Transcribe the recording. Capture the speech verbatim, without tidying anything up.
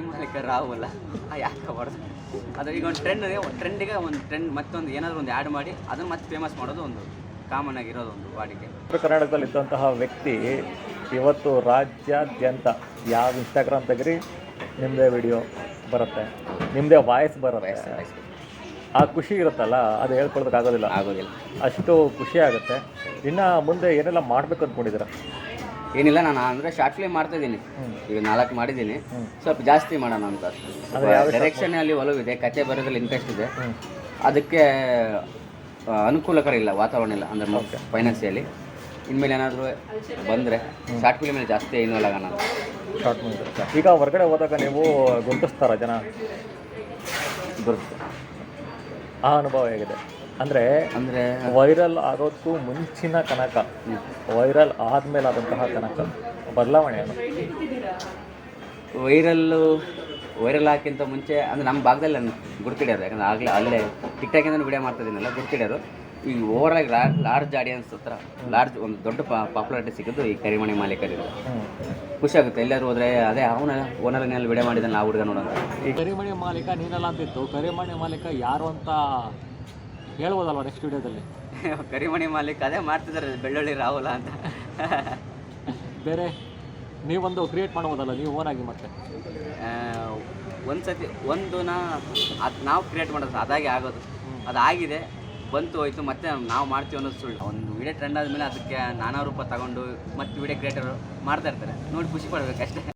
ಮಾಲೀಕ ರಾಹುಲ್ ಯಾಕೆ ಹೊಡೆದು ಅದು ಈಗ ಒಂದು ಟ್ರೆಂಡ್ ಟ್ರೆಂಡಿಗೆ ಒಂದು ಟ್ರೆಂಡ್ ಮತ್ತೊಂದು ಏನಾದರೂ ಒಂದು ಆ್ಯಡ್ ಮಾಡಿ ಅದನ್ನು ಮತ್ತೆ ಫೇಮಸ್ ಮಾಡೋದು ಒಂದು ಕಾಮನ್ ಆಗಿರೋದು ಒಂದು ವಾಡಿಕೆ. ಉತ್ತರ ಕರ್ನಾಟಕದಲ್ಲಿ ಇದ್ದಂತಹ ವ್ಯಕ್ತಿ ಇವತ್ತು ರಾಜ್ಯಾದ್ಯಂತ ಯಾವ ಇನ್ಸ್ಟಾಗ್ರಾಮ್ ತೆಗೀರಿ ನಿಮ್ಮದೇ ವಿಡಿಯೋ ಬರುತ್ತೆ, ನಿಮ್ಮದೇ ವಾಯ್ಸ್ ಬರುತ್ತೆ. ಆ ಖುಷಿ ಇರುತ್ತಲ್ಲ, ಅದು ಹೇಳ್ಕೊಳೋದಕ್ಕಾಗೋದಿಲ್ಲ ಆಗೋದಿಲ್ಲ ಅಷ್ಟು ಖುಷಿ ಆಗುತ್ತೆ. ಇನ್ನು ಮುಂದೆ ಏನೆಲ್ಲ ಮಾಡಬೇಕು ಅಂದ್ಕೊಂಡಿದ್ದೀರಾ? ಏನಿಲ್ಲ, ನಾನು ಅಂದರೆ ಶಾರ್ಟ್ ಫಿಲ್ಮ್ ಮಾಡ್ತಾ ಇದ್ದೀನಿ, ಈಗ ನಾಲ್ಕು ಮಾಡಿದ್ದೀನಿ, ಸ್ವಲ್ಪ ಜಾಸ್ತಿ ಮಾಡೋಣ ಅಂತ. ಡೈರೆಕ್ಷನಲ್ಲಿ ಒಲವಿದೆ, ಕತೆ ಬರೋದ್ರಲ್ಲಿ ಇಂಟ್ರೆಸ್ಟ್ ಇದೆ, ಅದಕ್ಕೆ ಅನುಕೂಲಕರ ಇಲ್ಲ, ವಾತಾವರಣ ಇಲ್ಲ ಅಂದರೆ ಫೈನಾನ್ಸಿಯಲಿ. ಇನ್ಮೇಲೆ ಏನಾದರೂ ಬಂದರೆ ಶಾರ್ಟ್ ಫಿಲ್ಮಲ್ಲಿ ಜಾಸ್ತಿ ಇನ್ವಾಲ್ವ್ ಆಗೋಣ ಅಂತ. ಶಾರ್ಟ್ ಫಿಲ್ಮ್ ಈಗ ಹೊರಗಡೆ ಹೋದಾಗ ನೀವು ಗುರುತಿಸ್ತಾರ ಜನ? ಬರುತ್ತೆ. ಆ ಅನುಭವ ಹೇಗಿದೆ ಅಂದರೆ ಅಂದರೆ ವೈರಲ್ ಆಗೋದಕ್ಕೂ ಮುಂಚಿನ ತನಕ, ವೈರಲ್ ಆದಮೇಲೆ ಆದಂತಹ ತನಕ ಬದಲಾವಣೆ ಏನು? ವೈರಲ್ಲು ವೈರಲ್ ಹಾಕಿಂತ ಮುಂಚೆ ಅಂದರೆ ನಮ್ಮ ಭಾಗದಲ್ಲಿ ನಾನು ಗುರ್ತಿಡ್ಯಾರು, ಯಾಕಂದರೆ ಆಗಲೇ ಅಲ್ಲೇ ಟಿಕ್ಟಾಕಿಂದ ವಿಡಿಯೋ ಮಾಡ್ತಿದ್ದೀನಲ್ಲ, ಗುರ್ತಿಡ್ಯಾರು. ಈಗ ಓವರಾಲ್ ಲಾರ್ಜ್ ಆಡಿಯನ್ಸ್ ಹತ್ರ ಲಾರ್ಜ್ ಒಂದು ದೊಡ್ಡ ಪಾಪ್ಯುಲಾರಿಟಿ ಸಿಗೋದು ಈ ಕರಿಮಣಿ ಮಾಲೀಕರಿಂದ. ಖುಷಿ ಆಗುತ್ತೆ, ಎಲ್ಲರೂ ಹೋದರೆ ಅದೇ ಅವನ ಓನರ್ನಲ್ಲಿ ವಿಡಿಯೋ ಮಾಡಿದ್ದಾನೆ ಆ ಹುಡುಗ ನೋಡೋಣ. ಈ ಕರಿಮಣಿ ಮಾಲೀಕ ನೀನಲ್ಲ ಅಂತಿತ್ತು, ಕರಿಮಣಿ ಮಾಲೀಕ ಯಾರು ಅಂತ ಹೇಳ್ಬೋದಲ್ವ ನೆಕ್ಸ್ಟ್ ವಿಡಿಯೋದಲ್ಲಿ? ಕರಿಮಣಿ ಮಾಲೀಕ ಅದೇ ಮಾಡ್ತಿದ್ದಾರೆ, ಬೆಳ್ಳುಳ್ಳಿ ರಾಹುಲ ಅಂತ. ಬೇರೆ ನೀವೊಂದು ಕ್ರಿಯೇಟ್ ಮಾಡ್ಬೋದಲ್ಲ ನೀವು ಓನಾಗಿ? ಮತ್ತೆ ಒಂದು ಸತಿ ಒಂದು ನಾ ಅದು ನಾವು ಕ್ರಿಯೇಟ್ ಮಾಡೋದು ಅದಾಗೆ ಆಗೋದು, ಅದಾಗಿದೆ, ಬಂತು ಹೋಯ್ತು, ಮತ್ತೆ ನಾವು ಮಾಡ್ತೀವಿ ಅನ್ನೋದು ಸುಳ್ಳು. ಒಂದು ವಿಡಿಯೋ ಟ್ರೆಂಡ್ ಆದಮೇಲೆ ಅದಕ್ಕೆ ನಾನಾ ರೂಪ ತಗೊಂಡು ಮತ್ತೆ ವಿಡಿಯೋ ಕ್ರಿಯೇಟರು ಮಾಡ್ತಾ ಇರ್ತಾರೆ, ನೋಡಿ ಖುಷಿ ಪಡ್ಬೇಕು ಅಷ್ಟೇ.